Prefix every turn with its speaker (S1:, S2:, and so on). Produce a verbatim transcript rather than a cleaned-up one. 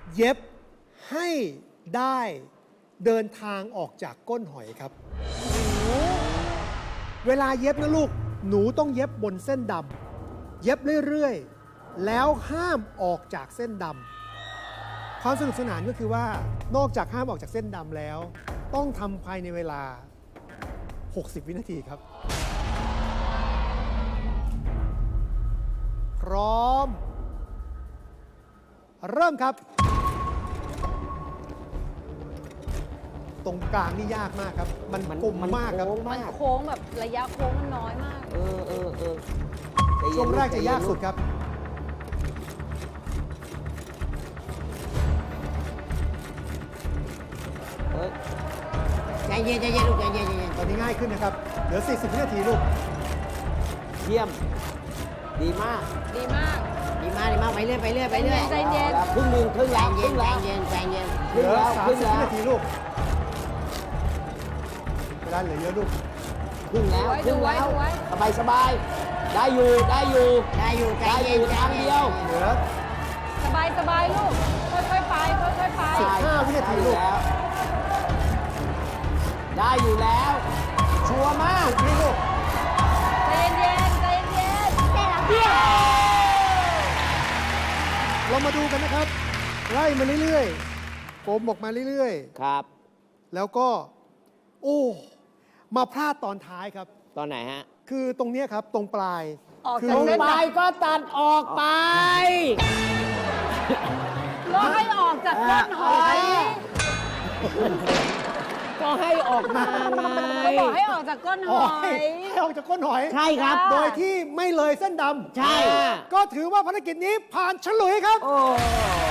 S1: เย็บให้ได้เดินทางออกจากก้นหอยครับเวลาเย็บนะลูกหนูต้องเย็บบนเส้นดำเย็บเรื่อยๆแล้วห้ามออกจากเส้นดำความสนุกสนานก็คือว่านอกจากห้ามออกจากเส้นดำแล้ว ต้องทำภายในเวลาหกสิบวินาทีครับพร้อมเริ่มครับตรงกลางนี่ยากมากครับ มัน
S2: มัน
S1: กลมมากครับ
S2: โค้ง
S3: มั
S2: มาน ก
S3: โค้งแบบระยะโค้งมันน้อยมาก
S2: เออเออเออใจเย็น
S1: ช่วงแรกจะยาก
S2: ใจเน
S1: สุดครับ
S2: เฮ้ย
S4: ใจเย็นใจเย็นลูกใจเย็นใจเย็น
S1: ตอนนี้ง่ายขึ้นนะครับ เหลือ สี่สิบ วินาทีลูก
S2: เยี่ยม ดีมาก
S3: ดีมาก
S4: ดีมากดีมากไปเรื่อยไปเรื่อยไปเรื่อย
S3: ใจเย็น
S2: อาแล้วครึ่งหนึ่งครึ่ง
S4: ใจ
S2: แล้วค
S4: เย็
S2: รึ่
S4: น
S2: ง
S4: ใจ
S2: แล้ว
S4: เย็นใจเย็น
S1: เหลือ
S2: ครึ่งแล้ว
S1: สามสิบ วินาทีลูก เวลาเหลือเยอะลูก
S2: ครึ่งแล้วค
S3: ดู
S2: รึ่ง
S3: ไว้
S2: แล้ว
S3: ดูไว้
S2: สบายสบายได้อยู่ได้อยู่
S4: ได้อยู่ใจ
S2: ได้อ
S4: เย็น
S2: ยู่
S4: ใจ
S2: ทาง
S4: เย็
S2: เดี
S4: น
S2: ยว
S1: เหลือ
S3: สบายสบายลูก ค่อยๆไป ค่อยๆไป
S1: สิบห้าวินาทีลูก
S2: ได้อยู่แล้ว ชัวร์มาก
S1: นี่ลูก
S3: ใจเย็นๆใจเย็น
S1: เรามาดูกันนะครับ ไล่มาเรื่อยๆกลมออกมาเรื่อย
S2: ครับ
S1: ๆ แล้วก็ โอ้ มาพลาดตอนท้ายครับ
S2: ตอนไหนฮะ
S1: คือตรงเนี้ยครับ ตรงปลาย
S3: ออก
S1: คื
S3: จากเส้น
S2: ไป
S3: ด
S2: ก็ตัดออกไป
S3: ำแล้วให้ออกจากก้นหอย
S2: ก็ให้ออกมาไง
S3: ก็บอกให้ออกจากก้นห
S1: อ๋อ
S3: อย
S1: ให้ออกจากก้นหอย
S4: ใช่ครับ
S1: โดยที่ไม่เลยเส้นดำ
S4: ใช่
S1: ก็ถือว่าภารกิจนี้ผ่านฉลุยครับ
S2: โอ้